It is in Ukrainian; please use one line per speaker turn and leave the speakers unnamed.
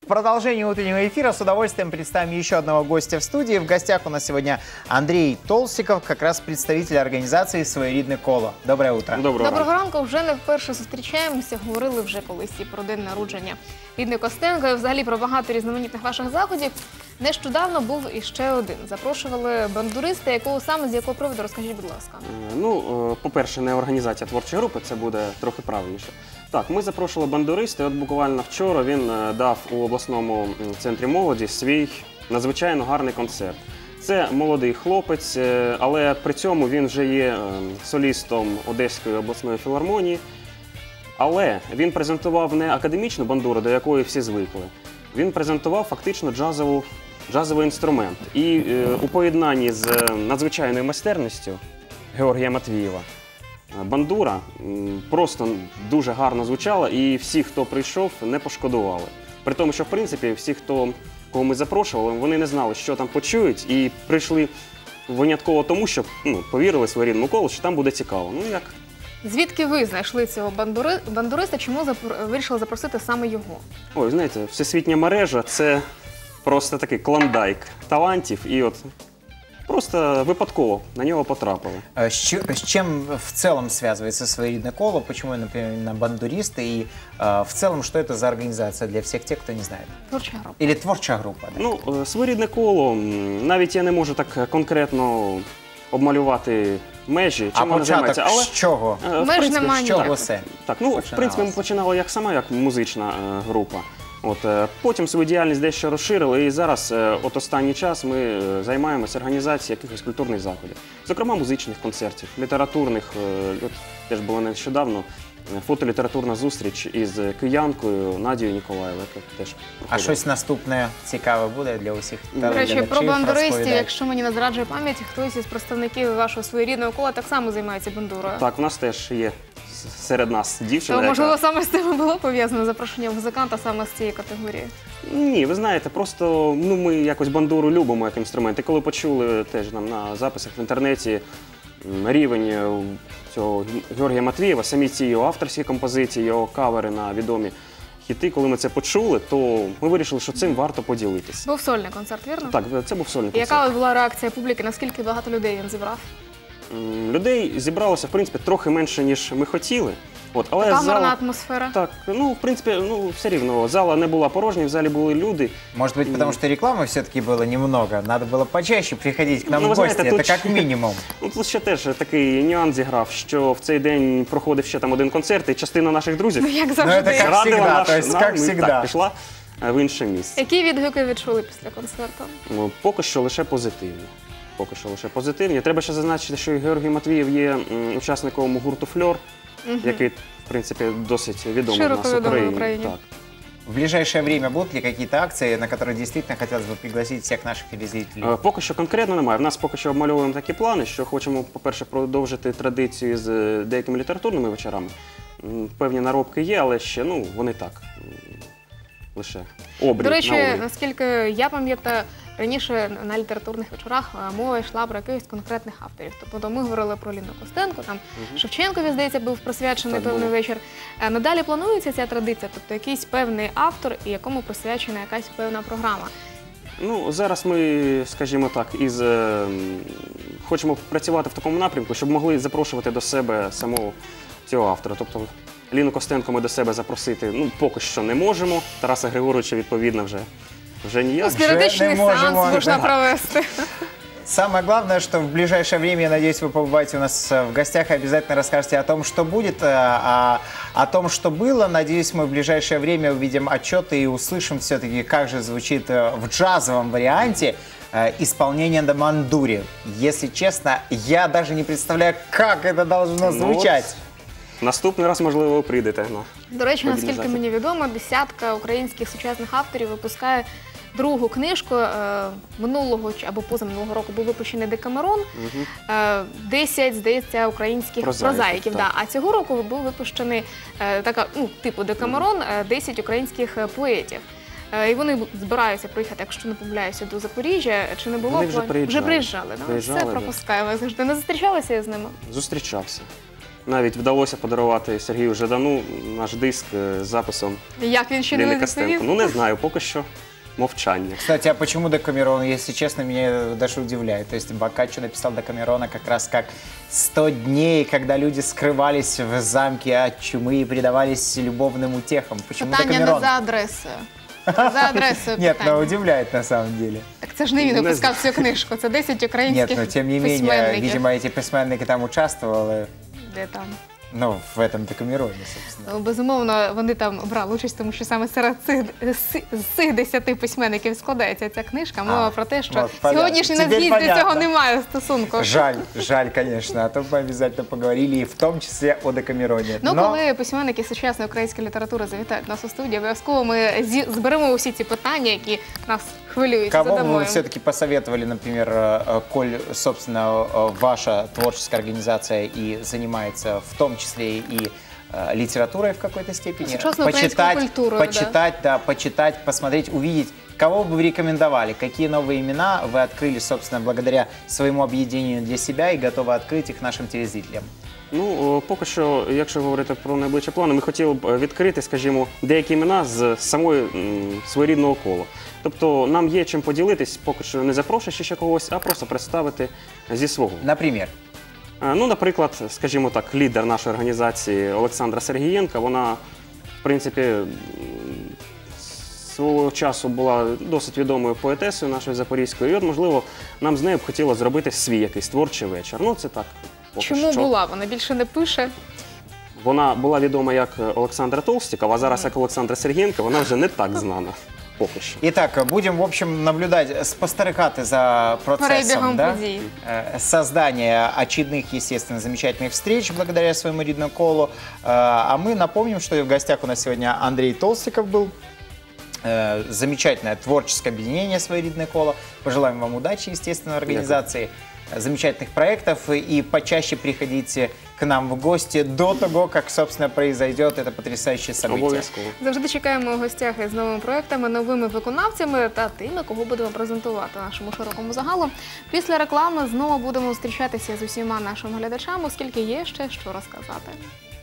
В продолжении утреннего эфира с удовольствием представим еще одного гостя в студии. В гостях у нас сегодня Андрей Толстиков, как раз представитель организации «Своєрідне коло». Доброе утро.
Доброго ранку. Вже не вперше зустрічаємося. Говорили вже колись і про день народження Ліни Костенко, і взагалі про багато різноманітних ваших заходів. Нещодавно був іще один. Запрошували бандуриста, з якого приводу, розкажіть, будь ласка.
Ну, по-перше, не організація творчої групи, це буде трохи правильніше. Так, ми запрошували бандуриста, і от буквально вчора він дав у обласному центрі молоді свій надзвичайно гарний концерт. Це молодий хлопець, але при цьому він вже є солістом Одеської обласної філармонії. Але він презентував не академічну бандуру, до якої всі звикли. Він презентував фактично джазовий інструмент. І у поєднанні з надзвичайною майстерністю Георгія Матвієва бандура просто дуже гарно звучала, і всі, хто прийшов, не пошкодували. При тому, що, в принципі, всі, кого ми запрошували, вони не знали, що там почують, і прийшли винятково тому, що повірили своєрідному колу, що там буде цікаво. Ну, як?
Звідки ви знайшли цього бандуриста, чому вирішили запросити саме його?
Ой, знаєте, всесвітня мережа – це просто такий клондайк талантів, і от просто випадково на нього потрапили.
С чем в целом связывается «Своєрідне коло»? Почему, например, именно бандуристы? И в целом, что это за организация для всех тех, кто не знает?
Творча група.
Или творча група? Да?
Ну, «Своєрідне коло», навіть я не можу так конкретно обмалювати межі, чим вона займається.
Але з чого?
Меж немає ніяких.
Так, ну, в принципі, ми починали як музична група. Потім свою діяльність дещо розширили, і зараз, от останній час, ми займаємося організацією якихось культурних заходів. Зокрема, музичних концертів, літературних, теж було нещодавно, фотолітературна зустріч із киянкою Надією Ніколаєвою.
А щось наступне цікаве буде для усіх?
До речі, про бандуристів, якщо мені не зраджує пам'ять, хтось із представників вашого своєрідного кола так само займається бандурою.
Так, у нас теж є серед нас дівчина.
То, можливо, саме з цим було пов'язано запрошення музиканта саме з цієї категорії?
Ні, ви знаєте, просто ми якось бандуру любимо як інструмент. І коли почули теж на записах в інтернеті рівень цього Георгія Матвієва, самі ці його авторські композиції, його кавери на відомі хіти, коли ми це почули, то ми вирішили, що цим варто поділитися.
Був сольний концерт, вірно?
Так, це був сольний концерт.
Яка була реакція публіки, наскільки багато людей він зібрав?
Людей зібралося, в принципі, трохи менше, ніж ми хотіли. Але
така гарна атмосфера.
Так, в принципі, все рівно, зала не була порожня, в залі були люди.
Может быть, потому что рекламы все-таки было немного, надо было почаще приходить к нам в гости, это как минимум.
Тут ще теж такий нюанс зіграв, що в цей день проходив ще там один концерт, і частина наших друзів
як завжди.
пішла в інше місце.
Які відгуки відчули після концерту?
Поки що лише позитивні. Треба ще зазначити, що Георгій Матвієв є учасником гурту «Фльор», який, в принципі, досить відомий в нас в Україні.
В ближайшее время будут ли какие-то акции, на которые действительно хотелось бы пригласить всех наших телезрителей?
Поки що конкретно немає. В нас поки що обмальовуємо такі плани, що хочемо, по-перше, продовжити традицію з деякими літературними вечорами. Певні наробки є, але ще, вони так, лише обрій на обрій.
До речі, наскільки я пам'ятаю, раніше на літературних вечорах мова йшла про якихось конкретних авторів. Тобто ми говорили про Ліну Костенко, там Шевченкові, здається, був присвячений певний вечір. Надалі планується ця традиція, тобто якийсь певний автор, і якому присвячена якась певна програма.
Зараз ми, скажімо так, хочемо працювати в такому напрямку, щоб могли запрошувати до себе самого цього автора. Тобто Ліну Костенко ми до себе запросити поки що не можемо. Тараса Григоровича, відповідно, вже ніяк.
Спіритичний сеанс можна провести.
Самое главное, что в ближайшее время, я надеюсь, вы побываете у нас в гостях и обязательно расскажете о том, что будет, о том, что было. Надеюсь, мы в ближайшее время увидим отчеты и услышим все-таки, как же звучит в джазовом варианте исполнение на бандуре. Если честно, я даже не представляю, как это должно звучать.
Наступний раз, можливо, ви прийдете.
До речі, наскільки мені відомо, десятка українських сучасних авторів випускає другу книжку. Минулого або позаминулого року був випущений «Декамерон», 10, здається, українських прозаїків. А цього року був випущений типу «Декамерон», 10 українських поетів. І вони збираються приїхати, якщо не помиляюся, до Запоріжжя. Чи не було?
Вони вже приїжджали.
Все пропускаємо завжди. Не зустрічалися з ними?
Зустрічався. навіть вдалося подарувати Сергію Жадану наш диск з записом
Як він ще
Лілі
не
Костенко.
відповів?
Ну, не знаю, поки що мовчання.
Кстати, а почему Декамерон, если честно, меня даже удивляет. То есть Боккаччо написал Декамерона как раз как 100 дней, когда люди скрывались в замке от чумы и предавались любовным утехам. Почему
Питання не
Декамерон?
за адресою. За адресою
Нет,
питання.
но удивляет на самом деле.
Так це ж не він
Не
випускав цю книжку, це 10
Нет,
українських
но тем не менее,
письменників.
видимо, эти письменники там участвовали,
Де там?
ну, в этом Декамероне, собственно.
Ну, безумовно, вони там брали участь, тому що саме серед цих 10 письменників складається ця книжка. Мова про те, що
от, понятно.
сьогоднішній
Теперь
нацгізд до
понятно.
цього не має стосунку.
Жаль, конечно, а то бы обязательно поговорили, и в том числе о Декамероне.
Ну,
Но-
коли письменники сучасної української літератури завітають нас у студію, обов'язково ми зберемо усі ці питання, які нас хвилюють.
Кого бы
задамо
вы
їм.
все-таки посоветовали, например, коль, собственно, ваша творческая организация и занимается в том числе и литературой в какой-то степени,
Сучасной украинской культурой,
почитать, посмотреть, увидеть, кого бы вы рекомендовали, какие новые имена вы открыли, собственно, благодаря своему объединению для себя и готовы открыть их нашим телезрителям?
Ну, поки що, якщо говорити про найближчі плани, ми хотіли б відкрити, скажімо, деякі імена з самої своєрідного кола. Тобто нам є чим поділитись, поки що не запрошуючи ще когось, а просто представити зі свого.
Например?
Ну, наприклад, скажімо так, лідер нашої організації Олександра Сергієнка, вона, в принципі, свого часу була досить відомою поетесою нашої запорізької, і от, можливо, нам з нею б хотілося зробити свій якийсь творчий вечір. Ну, це так. Поки
Чому
що.
була? Вона більше не пише.
Вона була відома як Олександра Толстікова, а зараз як Олександра Сергієнка, вона вже не так знана. Поки що.
Итак, будем, в общем, наблюдать спостерегати за процессом,
Перебігом
да?
подій.
Создания очередных, естественно, замечательных встреч благодаря своему рідному колу. А мы напомним, что в гостях у нас сегодня Андрей Толстиков был. Замечательное творческое объединение «Своерідне коло». Пожелаем вам удачи, естественно, в организации замечательных проектов. И почаще приходите к нам в гости до того, как, собственно, произойдет это потрясающее событие.
Обов'язково.
Завжди чекаємо у гостях із новими проектами, новими виконавцями та тими, кого будемо презентувати нашому широкому загалу. Після реклами знову будемо зустрічатися з усіма нашими глядачами, оскільки є ще що розказати.